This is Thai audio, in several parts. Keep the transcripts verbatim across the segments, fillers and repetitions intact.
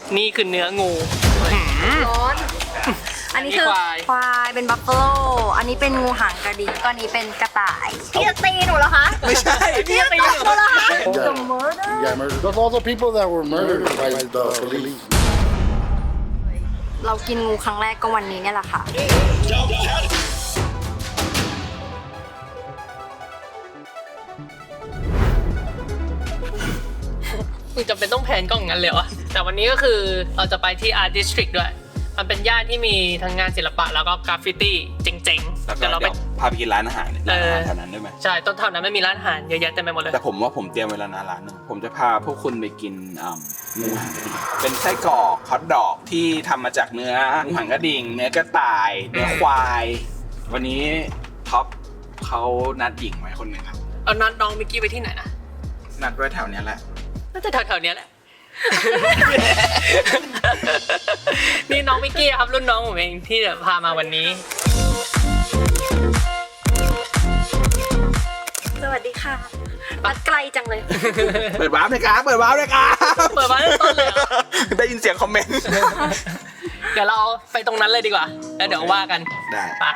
นี่คือเนื้องูร้อนอันนี้คือควายเป็นบัฟเฟโลอันนี้เป็นงูหางกระดิ่งก็อันนี้เป็นกระต่ายพี่จะตีหนูเหรอคะไม่ใช่พี่จะตีหนูเหรอคะ The murder Yeah, murder. Those are all the people that were murdered by the police. เรากินงูครั้งแรกก็วันนี้เนี่ยแหละค่ะมึงจำเป็นต้องแพนกล้องงั้นเลยวะแต่วันนี้ก็คือเราจะไปที่ Art District ด้วยมันเป็นย่านที่มีทั้งงานศิลปะแล้วก็กราฟฟิตี้เจ๋งๆแล้วก็เดี๋ยวเราเดี๋ไปยวพาไปกินร้านอาหารร้านอาหารแถวนั้นได้ไหมใช่ต้นเท่านั้นไม่มีร้านอาหารเยอะแยะเต็มไปหมดเลยแต่ผมว่าผมเตรียมเวลานานร้านหนึงผมจะพาพวกคุณไปกินอ่าหมูหันกระดิ่งเป็นไส้กรอกฮอทดอกที่ทำมาจากเนื้อหมูหันกระดิ่งเนื้อกระต่ายเนื้อควาย วันนี้ท็อปเขานัดหญิงไว้คนหนึ่งครับเอานัดน้องมิกกี้ไปที่ไหนนะนัดไว้แถวเนี้ยแหละน่าจะแถวๆเนี้ยแหละ นี่น้องมิกกี้ครับรุ่นน้องผมเองที่จะพามาวันนี้สวัสดีค่ะมัดไกลจังเลยเปิดวาร์ปเลยครับเปิดวาร์ปเลยครับเปิดมาตั้งต้นเลยเหรอได้ยินเสียงคอมเมนต์เดี๋ยวเราไปตรงนั้นเลยดีกว่าแล้วเดี๋ยวว่ากันได้ไป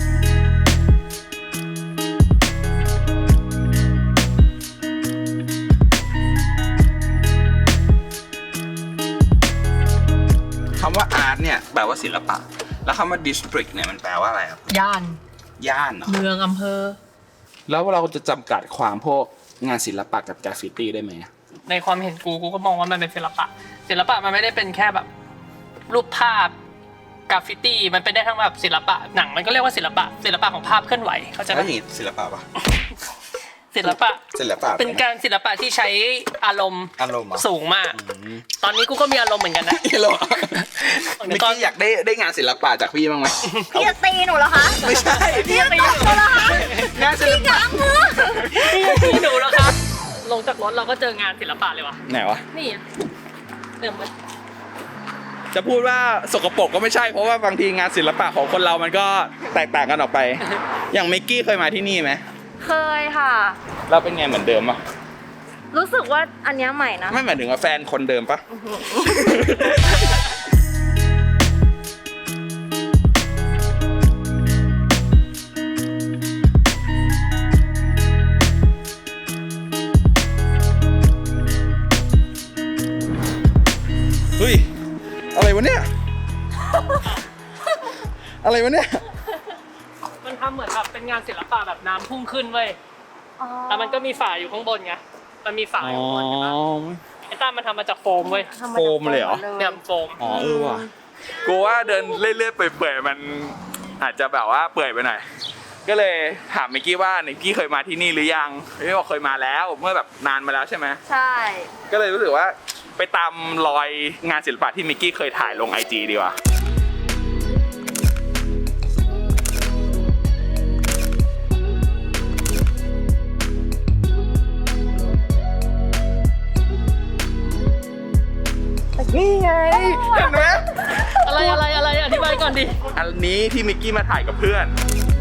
คำว่าอาร์ตเนี่ยแปลว่าศิลปะแล้วคำว่า district เนี่ยมันแปลว่าอะไรครับย่านย่านเหรอเมืองอำเภอแล้วเราจะจำกัดความพวกงานศิลปะกับกราฟฟิตี้ได้ไหมในความเห็นกูกูก็มองว่ามันเป็นศิลปะศิลปะมันไม่ได้เป็นแค่แบบรูปภาพกราฟฟิตี้มันเป็นได้ทั้งแบบศิลปะหนังมันก็เรียกว่าศิลปะศิลปะของภาพเคลื่อนไหวเข้าใจไหมแล้วอย่างนี้ศิลปะปะศิลปะศิลปะเป็นการศิลปะที่ใช้อารมณ์อารมณ์เหรอสูงมาก ตอนนี้กูก็มีอารมณ์เหมือนกันนะฮัลโหลเมื่อกี้อยากได้ได้งานศิลปะจากพี่บ้างไหมพี่จะตีหนูเหรอคะไม่ใช่พี่จะตีหนูเหรอคะงานศิลปะพี่จะตีหนูแล้วครับลงจากรถเราก็เจองานศิลปะเลยวะไหนวะนี่อะเติมมาจะพูดว่าสกปรกก็ไม่ใช่เพราะว่าบางทีงานศิลปะของคนเรามันก็แตกต่างกันออกไป อย่างมิกกี้เคยมาที่นี่ไหมเคยค่ะเราเป็นไงเหมือนเดิมปะรู้สึกว่าอันเนี้ยใหม่นะไม่หมายถึงว่าแฟนคนเดิมปะ เฮ้ย อะไรวะเนี่ย อะไรวะเนี่ยมันทำเหมือนแบบเป็นงานศิลปะแบบน้ำพุ่งขึ้นเว้ยแล้วมันก็มีฝาอยู่ข้างบนไงมันมีฝาอยู่ข้างบนใช่ปะไอ้ต้ามันทำมาจากโฟมเว้ยโฟมเลยเหรอเนี่ยโฟมอ๋อเออว่ะกูว่าเดินเรื่อยๆเปื่อยๆมันอาจจะแบบว่าเปื่อยไปหน่อยก็เลยถามมิกกี้ว่ามิกกี้เคยมาที่นี่หรือยังพี่บอกเคยมาแล้วเมื่อแบบนานมาแล้วใช่ไหมใช่ก็เลยรู้สึกว่าไปตามรอยงานศิลปะที่มิกกี้เคยถ่ายลงไอจีดีกว่านี่ไงเห็นไหมอะไรอะไรอะไรอธิบายก่อนดิอันนี้ที่มิกกี้มาถ่ายกับเพื่อน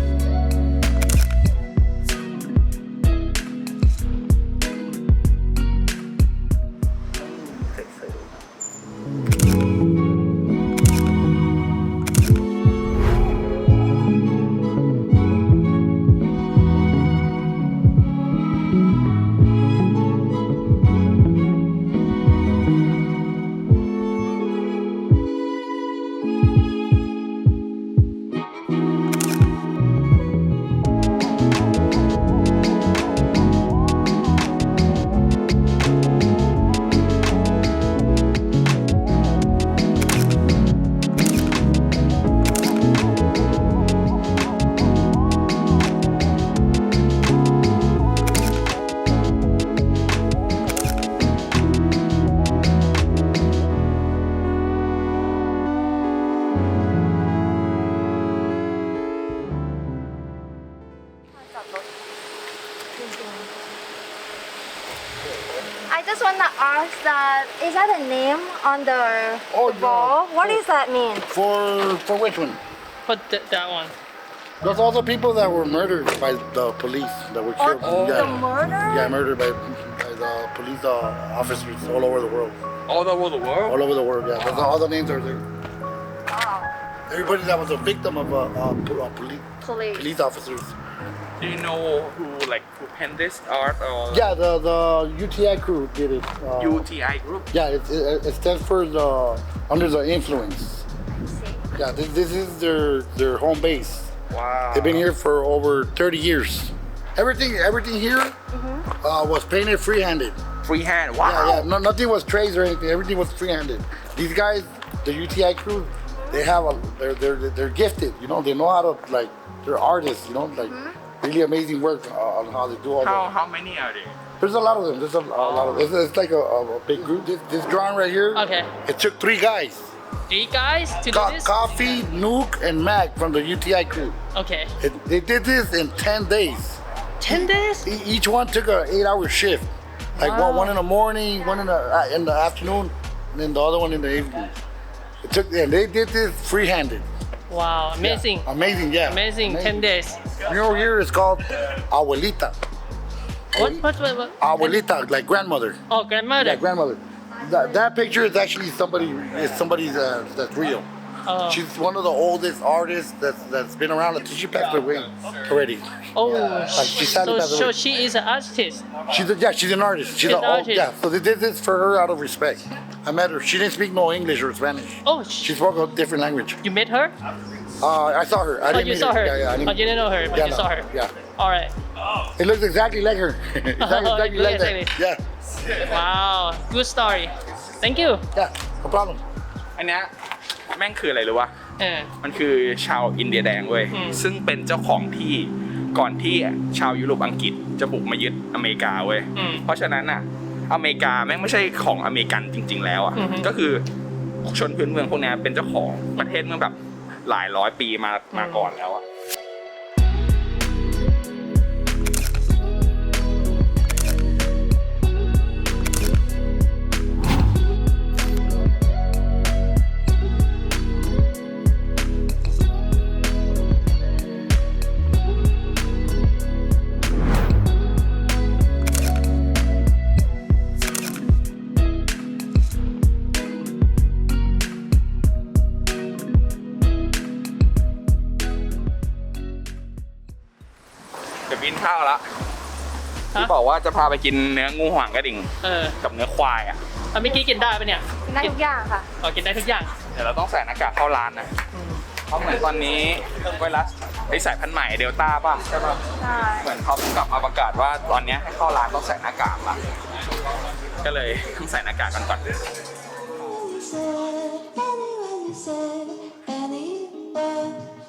I just wanna ask that is that a name on the, Oh, the ball? yeah. What does that mean? For for which one? Put that, that one Those are all the people that were murdered by the police that were Oh, killed. the yeah. murder? Yeah, murdered by, by the police uh, officers all over the world. all over the world all over the world. Yeah, that's all the names are there. Everybody that was a victim of uh, uh, po- uh, police Police. police officers. do you know who like who paint this art or Yeah, the the U T I crew did it. Uh, U T I group Yeah, it, it, it stands for the under the influence. Yeah, this, this is their their home base. wow They've been here for over thirty years. Everything everything here uh, was painted freehanded. freehand wow Yeah, yeah. No, nothing was traced or anything. Everything was freehanded. These guys, the U T I crew, they have a they're they're they're gifted. You know, they know how to like they're artists. You know, like really amazing work uh, on how they do all how that. how many are there There's a lot of them. There's a, a lot of. It's, it's like a, a, a big group. This, this drawing right here. Okay. It took three guys. Three guys to do Co- this? Coffee, Nuke, and Mac from the U T I crew. Okay. It, they did this in ten days. ten days? E- each one took an eight-hour shift. Like Wow. one, one in the morning, one in the uh, in the afternoon, and then the other one in the evening. It took. And they did this free-handed. Wow, amazing. Amazing, yeah. Amazing, ten days. You know, here it's called abuelita. What, what, what, what? Abuelita, like grandmother. Oh, grandmother. Yeah, grandmother. That, that picture is actually somebody. Is somebody's uh, that's real. Oh. She's one of the oldest artists that's that's been around until she passed away already. Oh, Like, she sadly so, passed so away. she is an artist. She's a, yeah, she's an artist. She's She's an an old, artist. yeah. So they did this for her out of respect. I met her. She didn't speak no English or Spanish. Oh, She sh- spoke a different language. you met her? Uh, I saw her. I Oh, didn't you meet saw her. Yeah, yeah. I Oh, you didn't know her, but yeah, you no, saw her. Yeah. All right. It looks exactly like her. exactly, Oh, exactly it like looks that. like Yeah. Wow, good story. Thank you. Yeah. No problem. อันเนี้ยแม่งคืออะไรรู้ป่ะเออมันคือชาวอินเดียแดงเว้ยอืมซึ่งเป็นเจ้าของที่ก่อนที่ชาวยุโรปอังกฤษจะบุกมายึดอเมริกาเว้ยอืมเพราะฉะนั้นอ่ะอเมริกาแม่งไม่ใช่ของอเมริกันจริง ๆ แล้วอ่ะอือฮึก็คือชนพื้นเมืองพวกเนี้ยเป็นเจ้าของประเทศเมื่อแบบหลายร้อยปีมามาก่อนแล้วอ่ะ เดี๋ยวกินข้าวละที่บอกว่าจะพาไปกินเนื้องูหางกระดิ่งเออกับเนื้อควายอ่ะเอาเมื่อกี้กินได้ปะเนี่ยได้ทุกอย่างค่ะอ๋อกินได้ทุกอย่างเดี๋ยวเราต้องใส่หน้ากากเข้าร้านนะเพราะเหมือนตอนนี้ไวรัสไอสายพันธุ์ใหม่เดลต้าป่ะใช่ป่ะใช่เหมือนเขาเพิ่งกลับมาประกาศว่าตอนนี้ให้เข้าร้านต้องใส่หน้ากากละก็เลยต้องใส่หน้ากากกันก่อน Anyone you said, anywhere.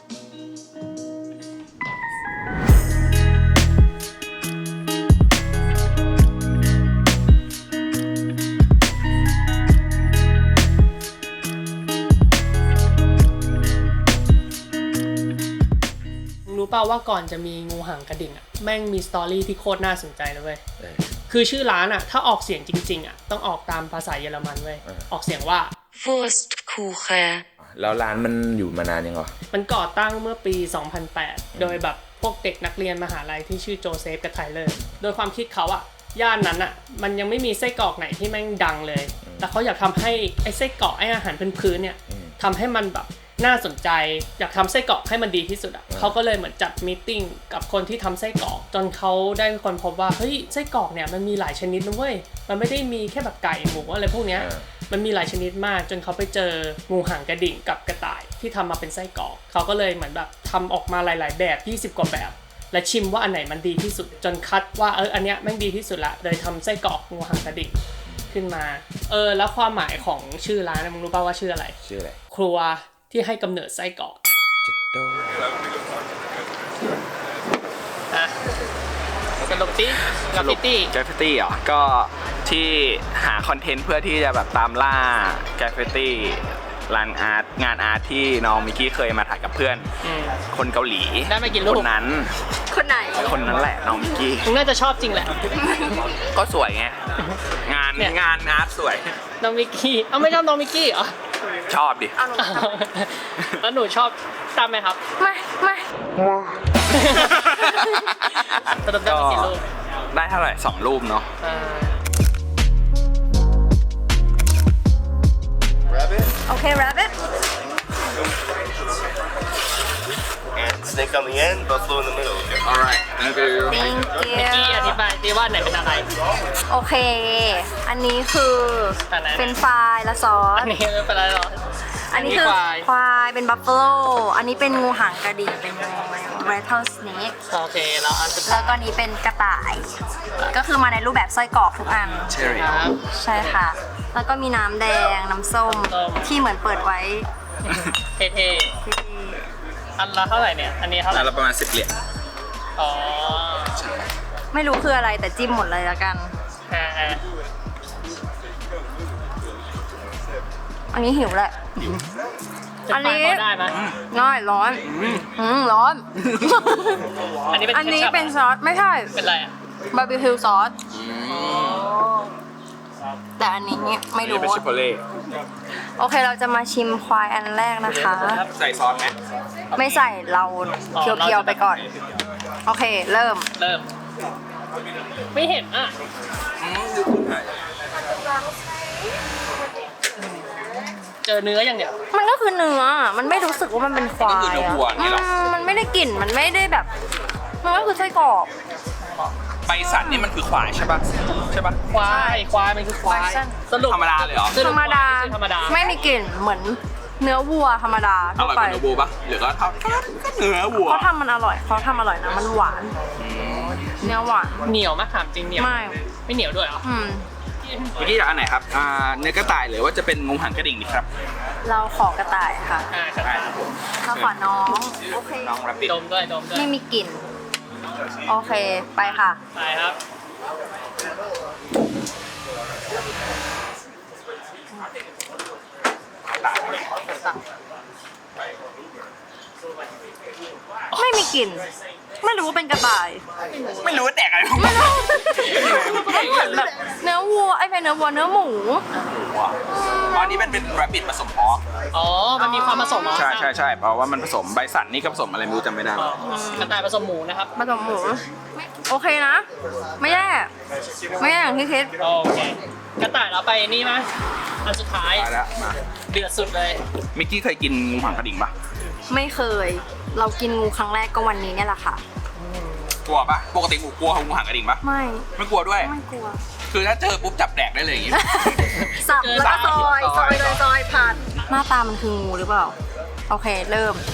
รู้เปล่าว่าก่อนจะมีงูหางกระดิ่งอ่ะแม่งมีสตอรี่ที่โคตรน่าสนใจเลยเว้ยคือชื่อร้านอ่ะถ้าออกเสียงจริงๆอ่ะต้องออกตามภาษาเยอรมันเว้ยออกเสียงว่า Wurstkuchen. แล้วร้านมันอยู่มานานยังเหรอมันก่อตั้งเมื่อปี สองพันแปด โดยแบบพวกเด็กนักเรียนมหาลัยที่ชื่อโจเซฟกับไทเลอร์ โดยความคิดเขาอะย่านนั้นอะมันยังไม่มีไส้กรอกไหนที่แม่งดังเลย แต่เขาอยากทำให้ไอ้ไส้กรอกไอ้อาหารพื้นๆเนี่ยทำให้มันแบบน่าสนใจ อยากทำไส้กรอกให้มันดีที่สุดอะเขาก็เลยเหมือนจัดมีตติ้งกับคนที่ทำไส้กรอก จนเขาได้คนพบว่าเฮ้ยไส้กรอกเนี่ยมันมีหลายชนิดนะเว้ย มันไม่ได้มีแค่แบบไก่หมูอะไรพวกเนี้ย มันมีหลายชนิดมากจนเขาไปเจองูหางกระดิ่งกับกระต่ายที่ทำมาเป็นไส้กรอกเขาก็เลยเหมือนแบบทำออกมาหลาย ๆ แบบยี่สิบกว่าแบบ และชิมว่าอันไหนมันดีที่สุด จนคัดว่าเอออันเนี้ยแม่งดีที่สุดละเลยทำไส้กรอกงูหางกระดิ่งขึ้นมาเออแล้วความหมายของชื่อร้านนะมึงรู้ป่าวว่าชื่ออะไรชื่ออะไรครัวที่ให้กำเนิดไส้กรอกจิตโดอ่ะสรุปที่กราฟฟิตี้แกรฟฟิตี้เหรอ ก็ที่หาคอนเทนต์เพื่อที่จะแบบตามล่าแกรฟฟิตี้ร้านอาร์ตงานอาร์ตที่น้องมิกกี้เคยมาถ่ายกับเพื่อนอืมคนเกาหลีได้มากี่รูปคนนั้นคนไหนคนนั้นแหละน้องมิกกี้มึงน่าจะชอบจริงแหละก็สวยไง งานเนี่ยงานอาร์ตสวยน้องมิกกี้เอ้าไม่ชอบน้องมิกกี้เหรอชอบดิเอาหนูแล้วหนูชอบตามไหมครับไม่ไม่สรุปได้มากี่รูปได้เท่าไหร่สองรูปเนาะอ่า Okay, rabbit. And snake on the end, buffalo in the middle. alright thank you Thank เมื่อกี้อ you. ธิบายดีว่าไหนเป็นอะไรโอเค อันนี้คืออันไหนเป็นฟรายและซอสอันนี้ไม่เป็นไรหรอกอันนี้คือควายควายเป็นบัฟเฟโลอันนี้เป็นงูหางกระดิ่งเป็นงู rattlesnake โอเคแล้วอันสุดท้าแล้ยวก็นี้เป็นกระต่าย ก็คือมาในรูปแบบไส้กรอกทุกอัน cherry ครับใช่ค่ะ แล้วก็มีน้ำแดง น้ำส้มส้มที่เหมือนเปิดไว้เท่ที่ๆอันละเท่าไหร่เนี่ย อันนี้เท่าไหร่แล้วประมาณสิบเหรียญอ๋อไม่รู้คืออะไรแต่จิ้มหมดเลยละกันอ่าอ่าอันนี้หิวแหละ อันนี้จะไปพได้ไหมง่ายร้อนอืมร้อนอันนี้เป็นอันนี้ ketchup เป็นซอส ไม่ใช่เป็นอะไรอ่ะบาร์บีคิวซอส แต่อันนี้ไม่นี่รู้เป็นชิปโปเล่โอเคเราจะมาชิมควายอันแรกนะคะใส่ซอสไหมไม่ใส่เราเคี้ยวๆไปก่อน โอเค เริ่มเริ่ม ไม่เห็นอ่ะ เจอเนื้ออย่างเดียวมันก็คือเนื้อ มันไม่รู้สึกว่ามันเป็นควายก็คือเนื้อวัวอะนี่หรออืมมันไม่ได้กลิ่น มันไม่ได้แบบ มันก็คือไส้กรอกใบสันนี่มันคือควายใช่ปะใช่ปะควาย ควายมันคือควาย สรุปธรรมดาเลยเหรอสรุธปรรมดาควายไใช่ธรรมดาไม่มีกลิ่น เหมือนเนื้อวัวธรรมดาอทั่วร่อยกไปว่าเนื้อวัวปะหรือก็เท่าก็เนื้อวัวเขาทำมันอร่อย เขาทำอร่อยนะ มันหวาน เนื้อหวานเหนียวมากถามจริงเหนียวไม่ไม่เหนียวด้วยเหรออืมเมื่อกี้จะอันไหนครับอ่าเนื้อกระต่ายหรือว่าจะเป็นงูหางกระดิ่งดีครับเราขอกระต่ายค่ะอ่าครับได้ครับผมเราขอน้อง โอเคน้องรับบิดดมด้วยดมด้วยไม่มีกลิ่น โอเค ไปค่ะไปครับไม่มีกลิ่น ไม่รู้ว่าเป็นกระต่ายไม่รู้ว่าแดกอะไรไม่รู้มันเหมือนแบบเนื้อวัว ไอ้เป็นเนื้อวัวเนื้อหมูตอนนี้เป็นเป็นรับบิดผสมฮอกอ๋อ มันมีความผสมเหรอใช่ใช่ใช่เพราะว่ามันผสมใบสันนี่ก็ผสมอะไรไม่รู้จำไม่ได้อ๋อกระต่ายผสมหมูนะครับผสมหมู โอเคนะ ไม่แย่ ไม่แย่อย่างที่คิดโอเค กระต่ายเราไปนี่ไหมอันสุดท้ายไปแล้วมาเดือดสุดเลยมิกกี้เคยกินงูหางกระดิ่งปะไม่เคย เรากินงูครั้งแรกก็วันนี้เนี่ยแหละค่ะกลัวปะปกติกูกลัวงูหางกระดิ่งปะไม่ไม่กลัวด้วยไม่กลัวคือถ้าเจอปุ๊บจับแดกได้เลยอย่างงี้สับแล้วก็ซอยซซออย ยเลยซอยผ่าน หน้าตามันคืองูหรือเปล่า โอเค เริ่ม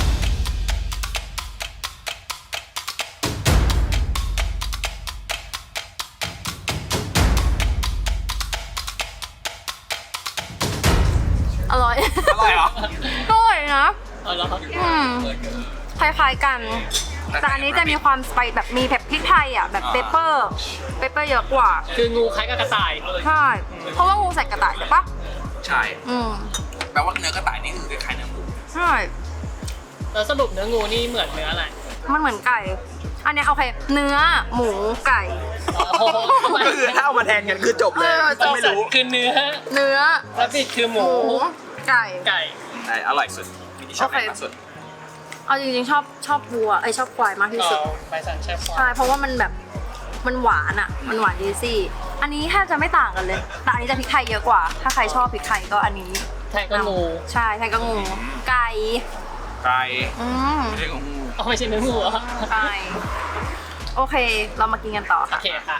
อร่อยอร่อยเหรออร่อยนะเอาแล้วครับอืมคล้ายๆกัน แต่อันนี้จะมีความสไปซ์แบบมีแบบพริกไทยอ่ะ แบบเปเปอร์ เปเปอร์เยอะกว่าคืองูคล้ายกับกระต่ายใช่ เพราะว่างูใส่กระต่ายใช่ปะใช่อืมแปลว่าเนื้อกระต่ายนี่คือคล้ายๆเนื้อหมูใช่แล้วสรุปเนื้องูนี่เหมือนเนื้ออะไรมันเหมือนไก่ อันเนี้ยโอเค เนื้อ หมู ไก่อ๋อก็คือถ้าเอามาแทนกันคือจบเลยเออจบไม่รู้คือเนื้อเนื้อแล้วปิดคือหหมูมู ไก่ไก่ใช่อร่อยสุดมิกกี้ชอบอะไรมากสุดเอาจริงๆชอบชอบวัวไอยชอบควายมากที่อ๋อสุดใบสันแช่ฟองใช่ เพราะว่ามันแบบ มันหวานอ่ะ มันหวานดีซี่ อันนี้แทบจะไม่ต่างกันเลย แต่อันนี้จะพริกไทยเยอะกว่า ถ้าใครชอบพริกไทยก็อันนี้แทนก็งูใช่ไทยก็งู ไก่ไก่อืมไม่ใช่งูอ๋อไม่ใช่เนื้องูเหรอไก่โอเค เรามากินกันต่อโอค่ะเคค่ะ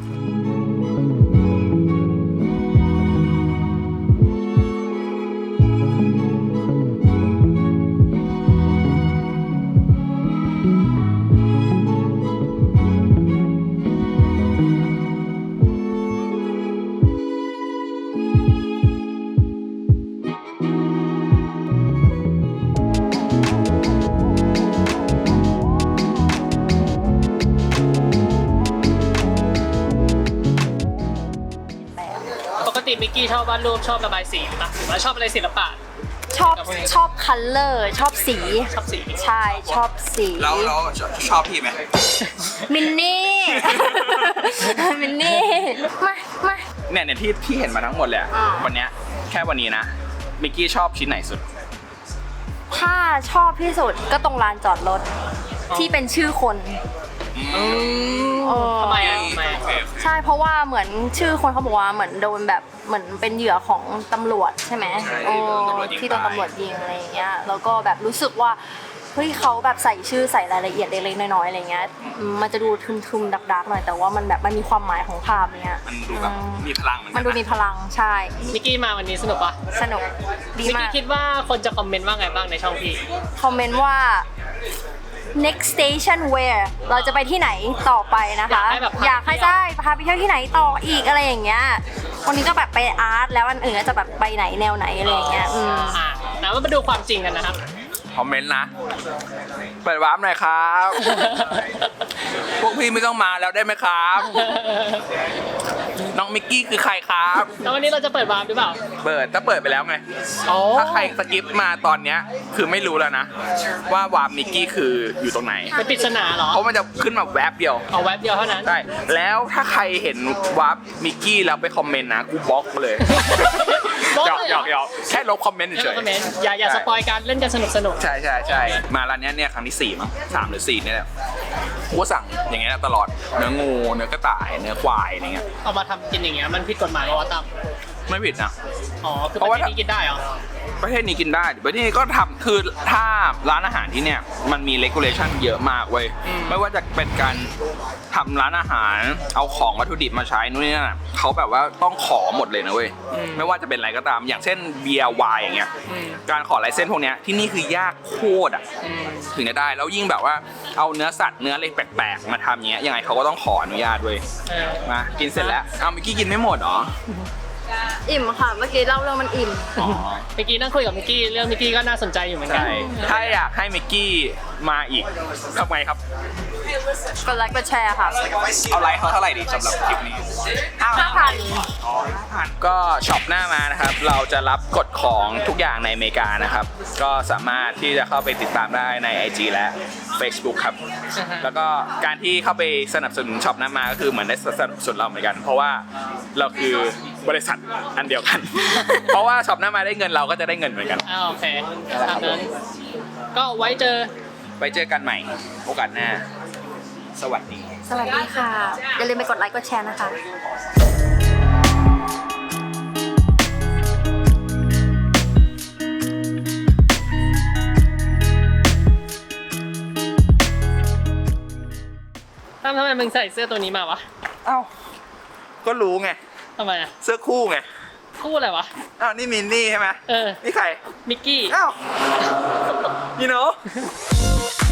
ปกติมิกกี้ชอบวาดรูปชอบระบายสีปะหรือว่าชอบอะไรศิลปะชอบชอบคัลเลอร์ ชอบสีชอบสีใช่ชอบสีแล้วแล้วชอบชอบพี่ไหมมินนี่ มินนี่มามาเนี่ยเนี่ยที่ที่เห็นมาทั้งหมดเลยอะอ่าวันเนี้ยแค่วันนี้นะมิกกี้ชอบชิ้นไหนสุดถ้าชอบที่สุดก็ตรงลานจอดรถ ที่เป็นชื่อคนอืเออทำไมอ่ะทำไมอะใช่เพราะว่าเหมือนชื่อคนเขาบอกว่าเหมือนโดนแบบเหมือนเป็นเหยื่อของตำรวจใช่ไหมใช่โอ้โดนตำรวจยิงที่โดนตายตำรวจยิงอะไรอย่างเงี้ยแล้วก็แบบรู้สึกว่าเฮ้ยเขาแบบใส่ชื่อใส่รายละเอียดเล็กๆน้อยๆอะไรเงี้ยอืมมันจะดูทึมๆดักๆหน่อยแต่ว่ามันแบบมันมีความหมายของภาพเนี้ยมันดูแบบอืมมีพลังเหมือนกัมันดูมีพลังใช่นิกกี้มาวันนี้สนุกปะสนุกดีนิกมากี้กคิดว่าคนจะคอมเมนต์ว่าไงบ้างในช่องพี่คอมเมนต์ว่า next station where เราจะไปที่ไหนต่อไปนะคะอยากให้แบบพาอยากให้ไปเที่ยวได้พาไปเที่ยวที่ไหนต่ออีกอะไรอย่างเงี้ยวันนี้ก็แบบไปอาร์ตแล้วอันอื่นก็จะแบบไปไหนแนวไหนอะไรอย่างเงี้ยอืมอ่ะนะมาดูความจริงกันนะครับคอมเมนต์นะ เปิดวาร์ปหน่อยครับ พวกพี่ไม่ต้องมาแล้วได้ไหมครับ น้องมิกกี้คือใครครับแล้ววันนี้เราจะเปิดวาร์ปหรือเปล่าเปิดถ้าเปิดไปแล้วไงอ๋อถ้าใครสกิปมาตอนเนี้ยคือไม่รู้แล้วนะ ว่าวาร์ปมิกกี้คืออยู่ตรงไหนเป็นปริศนาเหรอเพราะมันจะขึ้นมาแวบเดียวเอาแว็บเดียวเท่านั้นใช่ แล้วถ้าใครเห็นวาร์ปมิกกี้แล้วไปคอมเมนต์นะ กูบล็อกเลยบล็อกหยอกเลยหเหยรอกหยอกแค่ลบคอมเมนต์ไม่เฉต้องยคอมเมนต์อย่าอย่าสปอยการเล่นกันสนุกสนุกใช่ใช่ใช่มาร้านเนี้ยเนี่ยครั้งที่สี่มั้งสามหรือสี่เนี่ยแหละกูก็สั่งอย่างเงี้ยตลอดเนื้องูเนื้อกระต่ายเนื้อควายอะไรเงี้ยเอามาทำกินอย่างเงี้ยมันผิดกฎหมายป่าวะตั้มไม่ผิดนะอ๋อคือเพราะประว่าเทศนี้กินได้เหรอประเทศนี้กินได้ประเทศนี้ก็ทำคือถ้าร้านอาหารที่เนี่ยมันมี regulation เยอะมากเว้ยไม่ว่าจะเป็นการทำร้านอาหารเอาของวัตถุดิบมาใช้นู่นนี่นั่นอะเขาแบบว่าต้องขอหมดเลยนะเว้ยไม่ว่าจะเป็นอะไรก็ตามอย่างเช่นเบียร์ไวน์อย่างเงี้ยการขอไลเซนส์พวกเนี้ยที่นี่คือยากโคตรอ่ะถึงจะได้แล้วยิ่งแบบว่าเอาเนื้อสัตว์เนื้ออะไรแปลกๆมาทำเงี้ยยังไงเขาก็ต้องขออนุญาตเว้ยเออมากินเสร็จแล้วเอาเมื่อกี้กินไม่หมดเหรออิ่มค่ะเมื่อกี้เล่าเรื่องมันอิ่มอ๋อเมื่อกี้นั่งคุยกับมิกกี้เรื่องมิกกี้ก็น่าสนใจอยู่เหมือนกัใช่ถ้าอยากให้มิกกี้มาอีกทำไงครับกดไลค์กดแชร์ค่ะเอาไลค์เขาเท่าไหร่ดีสำหรับคลิปนี้ห้าพันก็ช็อปหน้ามานะครับ เราจะรับกดของทุกอย่างในอเมริกานะครับ ก็สามารถที่จะเข้าไปติดตามได้ใน ไอ จี และ Facebook ครับอ่าฮะแล้วก็การที่เข้าไปสนับสนุนช็อปหน้ามาก็คือเหมือนได้สนับสนุนเราเหมือนกัน เพราะว่าเราคือบริษัทอันเดียวกัน เพราะว่าช็อปหน้ามาได้เงินเราก็จะได้เงินเหมือนกันอ่าโอเคตามนั้นก็ไว้เจอไปเจอกันใหม่โอกาสหน้า สวัสดีสวัสดีค่ะ อย่าลืมไปกดไลค์กดแชร์นะคะตั้มทำไมมึงใส่เสื้อตัวนี้มาวะเอ้า ก็รู้ไงทำไมอ่ะเสื้อคู่ไงคู่อะไรวะอ้าว นี่มินนี่ใช่ไหมเออนี่ใครมิกกี้อ้าว you know